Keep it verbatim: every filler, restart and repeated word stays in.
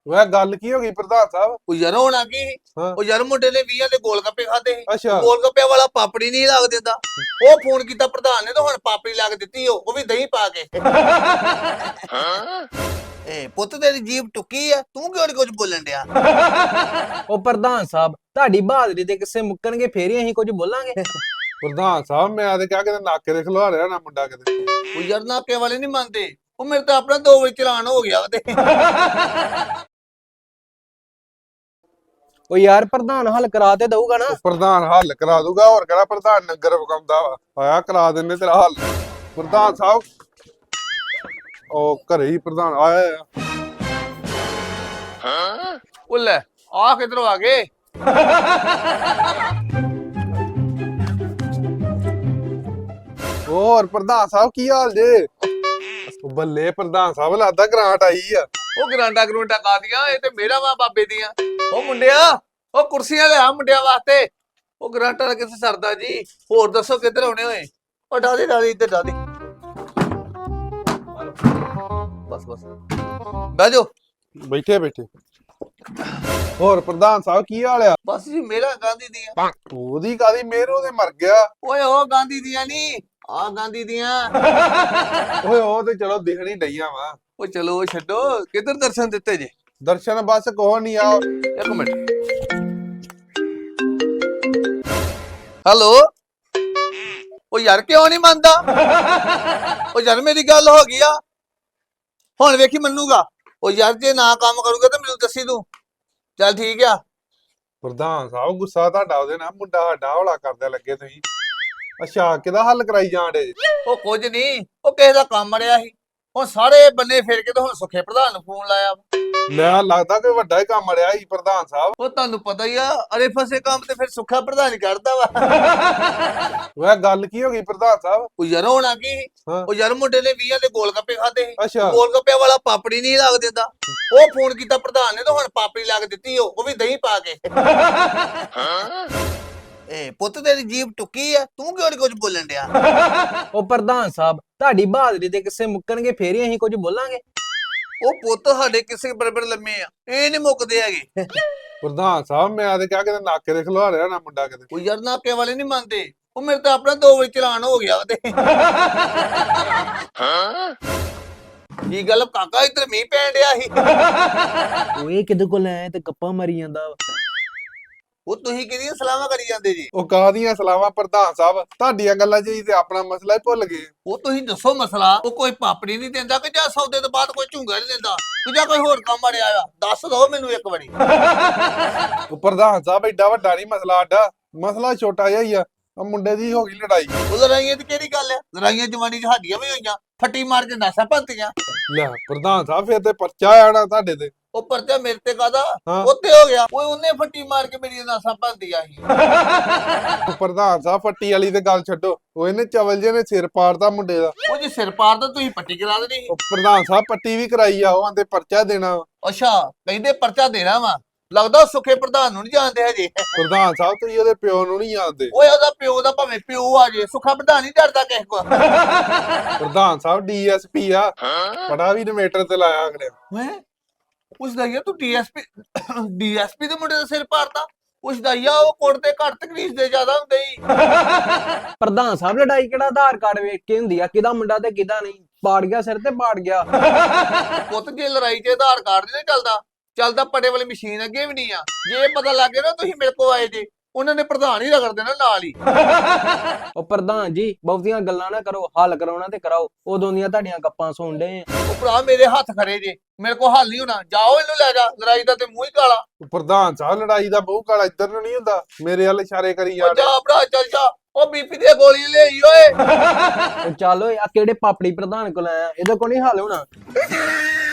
वह गल की होगी प्रधान साहब। ਉਹ ਯਾਰ ਹੋਣਾ ਕੀ ਸੀ? हाँ ਉਹ ਯਾਰ ਮੁੰਡੇ ਨੇ ਵੀਹਾਂ ਦੇ ਗੋਲ ਗੱਪੇ ਖਾਦੇ ਸੀ। अच्छा ਗੋਲ ਗੱਪਿਆਂ ਵਾਲਾ ਪਾਪੜੀ ਨਹੀਂ ਲੱਗ ਦਿੰਦਾ। ਉਹ ਫੋਨ ਕੀਤਾ ਪ੍ਰਧਾਨ ਨੇ ਤਾਂ ਹੁਣ ਪਾਪੜੀ ਲੱਗ ਦਿੱਤੀ ਉਹ ਉਹ ਵੀ ਦਹੀਂ ਪਾ ਕੇ। ਏ ਪੁੱਤ ਤੇਰੀ ਜੀਭ ਟੁੱਕੀ ਆ ਤੂੰ ਕਿਉਂ ਨੀ ਕੁਝ ਬੋਲਣ ਡਿਆ? ਉਹ ਪ੍ਰਧਾਨ ਸਾਹਿਬ ਤੁਹਾਡੀ ਬਹਾਦਰੀ ਦੇ ਕਿਸੇ ਮੁੱਕਣਗੇ ਫੇਰ ਹੀ ਅਸੀਂ ਕੁਝ ਬੋਲਾਂਗੇ। प्रधान साहब मैं आदे क्या कहते नाके दे खिलवा रहा ना मुंडा कहते। ਉਹ ਯਾਰ ਨਾਕੇ ਵਾਲੇ ਨਹੀਂ ਮੰਨਦੇ। ਉਹ ਮੇਰੇ ਤਾਂ ਆਪਣਾ ਦੋ ਵਾਰੀ ਚਲਾਨ ਹੋ ਗਿਆ ਉਹਦੇ। ਉਹ ਯਾਰ ਪ੍ਰਧਾਨ ਹੱਲ ਕਰਾ ਤੇ ਦਊਗਾ ਨਾ। प्रधान हल करा दूंगा और कहना प्रधान नगर पकाउंदा वा आया करा देने तेरा हल। प्रधान साहब ओ घरे ही प्रधान आया है। ਉਹ ਲੈ ਆ ਕਿਧਰੋਂ ਆ ਗਏ? और प्रधान साहब की हाल जे? बल्ले प्रधान साहब लगदा ग्रांट आई है। ਉਹ ਗਰਾਂਡਾ ਗਰੂੰਡਾ ਕਾਦੀਆਂ ਇਹ ਤੇ ਮੇਰਾ ਵਾ ਬਾਬੇ ਦੀਆਂ। ਉਹ ਮੁੰਡਿਆ ਉਹ ਕੁਰਸੀਆਂ ਲਿਆ ਮੁੰਡਿਆਂ ਵਾਸਤੇ। ਉਹ ਗਰਾਂਟਾ ਦਾ ਕਿੱਥੇ ਸਰਦਾ ਜੀ? ਹੋਰ ਦੱਸੋ ਕਿੱਧਰ ਆਉਣੇ ਹੋਏ? ਉਹ ਡਾਦੀ ਡਾਦੀ ਇੱਧਰ ਡਾਦੀ ਬਸ ਬਸ ਬਹਿ ਜਾਓ। बैठे बैठे और प्रधान साहब की हाल है? ਬਸ ਜੀ ਮੇਰਾ ਗਾਂਧੀ ਦੀਆਂ। ओदी कादी मेरे ओदे मर गया। ਓਏ ਉਹ ਗਾਂਧੀ ਦੀਆਂ ਨਹੀਂ ਆ ਗਾਂਧੀ ਦੀਆਂ। ओए ओ ते चलो दिखनी डईया वा। ਉਹ ਚਲੋ ਛੱਡੋ ਕਿੱਧਰ ਦਰਸ਼ਨ ਦਿੱਤੇ ਜੇ? दर्शन बस कोह नहीं आओ। ਇੱਕ ਮਿੰਟ ਹੈਲੋ। ਉਹ ਯਾਰ ਕਿਉਂ ਨਹੀਂ ਮੰਨਦਾ? ਉਹ ਯਾਰ ਮੇਰੀ ਗੱਲ ਹੋ ਗਈ ਆ ਹੁਣ ਵੇਖੀ ਮੰਨੂਗਾ। ਉਹ ਯਾਰ ਜੇ ਨਾ ਕੰਮ ਕਰੂਗਾ ਤਾਂ ਮੈਨੂੰ ਦੱਸੀ ਤੂੰ। ਚੱਲ ਠੀਕ ਆ। प्रधान साहब गुस्सा ਤੁਹਾਡਾ ਉਹਦੇ ਨਾਲ ਮੁੰਡਾ ਸਾਡਾ ਹੌਲਾ ਕਰਦੇ ਲੱਗੇ ਤੁਸੀਂ। ਅੱਛਾ ਕਿਹਦਾ ਹੱਲ ਕਰਾਈ ਜਾਂਦੇ? ਉਹ ਕੁਝ ਨਹੀਂ ਉਹ ਕਿਸੇ ਦਾ ਕੰਮ ਅੜਿਆ ਸੀ। ਹੁਣ ਸਾਰੇ ਬੰਨੇ ਫਿਰ ਕੇ ਤੇ ਹੁਣ ਸੁਖੇ ਪ੍ਰਧਾਨ ਨੂੰ ਫੋਨ ਲਾਇਆ। ਲੈ ਲੱਗਦਾ ਕੋਈ ਵੱਡਾ ਹੀ ਕੰਮ ਅੜਿਆ ਹੀ ਪ੍ਰਧਾਨ ਸਾਹਿਬ। ਉਹ ਤੁਹਾਨੂੰ ਪਤਾ ਹੀ ਆ ਅਰੇ ਫਸੇ ਕੰਮ ਤੇ ਫਿਰ ਸੁੱਖਾ ਪ੍ਰਧਾਨ ਹੀ ਕਰਦਾ ਵਾ। ਵਹ ਗੱਲ ਕੀ ਹੋ ਗਈ ਪ੍ਰਧਾਨ ਸਾਹਿਬ? ਉਹ ਯਾਰ ਹੋਣਾ ਕੀ ਸੀ? ਹਾਂ ਉਹ ਯਾਰ ਮੁੰਡੇ ਨੇ ਵੀਹਾਂ ਦੇ ਗੋਲ ਗੱਪੇ ਖਾਦੇ ਸੀ। ਅੱਛਾ ਗੋਲ ਗੱਪਿਆਂ ਵਾਲਾ ਪਾਪੜੀ ਨਹੀਂ ਲੱਗ ਦਿੰਦਾ। ਉਹ ਫੋਨ ਕੀਤਾ ਪ੍ਰਧਾਨ ਨੇ ਤਾਂ ਹੁਣ ਪਾਪੜੀ ਲੱਗ ਦਿੱਤੀ ਉਹ ਉਹ ਵੀ ਦਹੀਂ ਪਾ ਕੇ। ਏ ਪੁੱਤ ਤੇਰੀ ਜੀਭ ਟੁੱਕੀ ਆ ਤੂੰ ਕਿਉਂ ਨੀ ਕੁਝ ਬੋਲਣ ਡਿਆ? ਉਹ ਪ੍ਰਧਾਨ ਸਾਹਿਬ ਤੁਹਾਡੀ ਬਹਾਦਰੀ ਦੇ ਕਿਸੇ ਮੁੱਕਣਗੇ ਫੇਰ ਹੀ ਅਸੀਂ ਕੁਝ ਬੋਲਾਂਗੇ। ਉਹ ਪੁੱਤ ਸਾਡੇ ਕਿਸੇ ਬਰਬਰ ਲੰਮੇ ਆ ਇਹ ਨਹੀਂ ਮੁੱਕਦੇ ਹੈਗੇ। ਪ੍ਰਧਾਨ ਸਾਹਿਬ ਮੈਂ ਆਦੇ ਕਿਆ ਕਹਿੰਦੇ ਨਾਕੇ ਦੇ ਖਿਲਵਾ ਰਿਹਾ ਨਾ ਮੁੰਡਾ ਕਿਤੇ। ਉਹ ਯਾਰ ਨਾਕੇ ਵਾਲੇ ਨਹੀਂ ਮੰਨਦੇ। ਉਹ ਮੇਰੇ ਤਾਂ ਆਪਣਾ ਦੋ ਵਾਰੀ ਚਲਾਨ ਹੋ ਗਿਆ ਉਹਦੇ। ਕੀ ਗੱਲ ਕਾਕਾ ਇੱਧਰ ਮੀਂਹ ਪੈਣ ਡਿਆ ਸੀ? ਉਹ ਇਹ ਕਿਹਦੇ ਕੋਲ ਆਇਆ ਤੇ ਗੱਪਾਂ ਮਾਰੀ ਜਾਂਦਾ ਵਾ। ਉਹ ਤੁਸੀਂ ਕਿਹਦੀਆਂ ਸਲਾਹਾਂ ਕਰੀ ਜਾਂਦੇ ਜੀ? ਉਹ ਕਾਹਦੀਆਂ ਸਲਾਵਾਂ ਪ੍ਰਧਾਨ ਸਾਹਿਬ ਤੁਹਾਡੀਆਂ ਗੱਲਾਂ 'ਚ ਹੀ ਤੇ ਆਪਣਾ ਮਸਲਾ ਹੀ ਭੁੱਲ ਗਏ। ਉਹ ਤੁਸੀਂ ਦੱਸੋ ਮਸਲਾ। ਉਹ ਕੋਈ ਪਾਪੜੀ ਨਹੀਂ ਦਿੰਦਾ ਕਿ ਜਾਂ ਸੌਦੇ ਤੋਂ ਬਾਅਦ ਕੋਈ ਝੁੰਗਾ ਨਹੀਂ ਦਿੰਦਾ ਕਿ ਜਾਂ ਕੋਈ ਹੋਰ ਕੰਮ ਅੜਿਆ ਆ? ਦੱਸ ਦੋ ਮੈਨੂੰ ਇੱਕ ਵਾਰੀ। ਉਹ ਪ੍ਰਧਾਨ ਸਾਹਿਬ ਏਡਾ ਵੱਡਾ ਨਹੀਂ ਮਸਲਾ ਸਾਡਾ ਮਸਲਾ ਛੋਟਾ ਜਿਹਾ ਹੀ ਆ। ਆ ਮੁੰਡੇ ਦੀ ਹੋ ਗਈ ਲੜਾਈ। ਉਹ ਲੜਾਈਆਂ ਦੀ ਕਿਹੜੀ ਗੱਲ ਆ? ਲੜਾਈਆਂ ਜਵਾਨੀ ਚ ਸਾਡੀਆਂ ਵੀ ਹੋਈਆਂ। ਫੱਟੀ ਮਾਰ ਕੇ ਨਾਸਾਂ ਭੰਤੀਆਂ। ਲੈ ਪ੍ਰਧਾਨ ਸਾਹਿਬ ਫਿਰ ਤੇ ਪਰਚਾ ਆਣਾ ਤੁਹਾਡੇ ਤੇ। ਉਹ ਪਰਚਾ ਮੇਰੇ ਤੇ ਕਾਦਾ ਹਾਂ ਉੱਤੇ ਹੋ ਗਿਆ। ਓਏ ਉਹਨੇ ਫੱਟੀ ਮਾਰ ਕੇ ਮੇਰੀਆਂ ਨਾਸਾਂ ਭੰਤੀਆਂ ਸੀ। ਉਹ ਪ੍ਰਧਾਨ ਸਾਹਿਬ ਫੱਟੀ ਵਾਲੀ ਤੇ ਗੱਲ ਛੱਡੋ। ਉਹ ਇਹਨੇ ਚਵਲ ਜੇ ਨੇ ਸਿਰ ਪਾੜਦਾ ਮੁੰਡੇ ਦਾ। ਉਹ ਜੇ ਸਿਰ ਪਾੜਦਾ ਤੁਸੀਂ ਪੱਟੀ ਕਰਾ ਦੇਣੀ ਸੀ। ਉਹ ਪ੍ਰਧਾਨ ਸਾਹਿਬ ਪੱਟੀ ਵੀ ਕਰਾਈ ਆ ਉਹ ਆਂਦੇ ਪਰਚਾ ਦੇਣਾ। ਅੱਛਾ ਕਹਿੰਦੇ ਪਰਚਾ ਦੇਣਾ ਵਾ। ਲੱਗਦਾ ਸੁੱਖੇ ਪ੍ਰਧਾਨ ਨੂੰ ਨਹੀਂ ਜਾਣਦੇ ਹਜੇ। ਪ੍ਰਧਾਨ ਸਾਹਿਬ ਤੁਸੀਂ ਉਹਦੇ ਪਿਓ ਨੂੰ ਨਹੀਂ ਜਾਣਦੇ। ਓਏ ਉਹਦਾ ਪਿਓ ਦਾ ਭਾਵੇਂ ਪਿਓ ਆ ਜੇ ਸੁੱਖਾ ਪ੍ਰਧਾਨ ਨਹੀਂ ਡਰਦਾ ਕਿਸੇ ਕੋ। ਪ੍ਰਧਾਨ ਸਾਹਿਬ ਡੀਐਸਪੀ ਆ ਬੜਾ ਵੀ ਇਨਵੇਟਰ ਤੇ ਲਾਇਆ ਅਗਲੇ। ਹੈ ਉਸਦਾ ਯਾ ਤੂੰ ਡੀਐਸਪੀ ਡੀਐਸਪੀ ਦੇ ਮੁੰਡੇ ਦਾ ਸਿਰ ਪਾੜਦਾ? ਉਸਦਾ ਯਾ ਉਹ ਕੋਟ ਤੇ ਘੱਟ ਤਕਲੀਫ ਦੇ ਜ਼ਿਆਦਾ ਹੁੰਦੇ ਹੀ। ਪ੍ਰਧਾਨ ਸਾਹਿਬ ਲੜਾਈ ਕਿਹੜਾ ਆਧਾਰ ਕਾਰਡ ਵੇਖ ਕੇ ਹੁੰਦੀ ਆ ਕਿਹਦਾ ਮੁੰਡਾ ਤੇ ਕਿਹਦਾ ਨਹੀਂ। ਪਾੜ ਗਿਆ ਸਿਰ ਤੇ ਪਾੜ ਗਿਆ। ਪੁੱਤ ਜੇ ਲੜਾਈ 'ਚ ਆਧਾਰ ਕਾਰਡ ਨਹੀਂ ਚੱਲਦਾ ਚੱਲਦਾ ਪੜੇ ਵਾਲੀ ਮਸ਼ੀਨ ਅੱਗੇ ਵੀ ਨਹੀਂ ਆ। ਜੇ ਪਤਾ ਲੱਗ ਗਿਆ ਨਾ ਤੁਸੀਂ ਮੇਰੇ ਕੋਲ ਆਏ ਜੇ ਉਹਨਾਂ ਨੇ ਪ੍ਰਧਾਨ ਹੀ ਰਗੜ ਦੇਣਾ ਨਾਲ ਹੀ। ਉਹ ਪ੍ਰਧਾਨ ਜੀ ਬਹੁਤੀਆਂ ਗੱਲਾਂ ਨਾ ਕਰੋ ਹੱਲ ਕਰਾਉਣਾ ਤੇ ਕਰਾਓ। ਉਦੋਂ ਦੀਆਂ ਤੁਹਾਡੀਆਂ ਗੱਪਾਂ ਸੁਣ ਡੇ ਆ। ਉਹ ਭਰਾ ਮੇਰੇ ਹੱਥ ਖੜੇ ਜੇ ਮੇਰੇ ਕੋਲ ਹੱਲ ਨਹੀਂ ਹੋਣਾ। ਜਾਓ ਇਹਨੂੰ ਲੈ ਜਾ ਲੜਾਈ ਦਾ ਤੇ ਮੂੰਹ ਹੀ ਕਾਲਾ। ਉਹ ਪ੍ਰਧਾਨ ਸਾਹਿਬ ਲੜਾਈ ਦਾ ਬਹੁ ਕਾਲਾ ਇੱਧਰ ਨੂੰ ਨਹੀਂ ਹੁੰਦਾ ਮੇਰੇ ਵੱਲ ਇਸ਼ਾਰੇ ਕਰੀ ਉਹ ਜਾਂਦੇ। ਜਾ ਭਰਾ ਚੱਲ ਜਾ। ਉਹ ਬੀਪੀ ਦੀਆਂ ਗੋਲੀਆਂ ਲਿਆਈ ਓਏ। ਉਹ ਚੱਲ ਓਏ ਆ ਕਿਹੜੇ ਪਾਪੜੀ ਪ੍ਰਧਾਨ ਕੋਲ ਆਇਆ ਇਹਦੇ ਕੋਲ ਨਹੀਂ ਹੱਲ ਹੋਣਾ।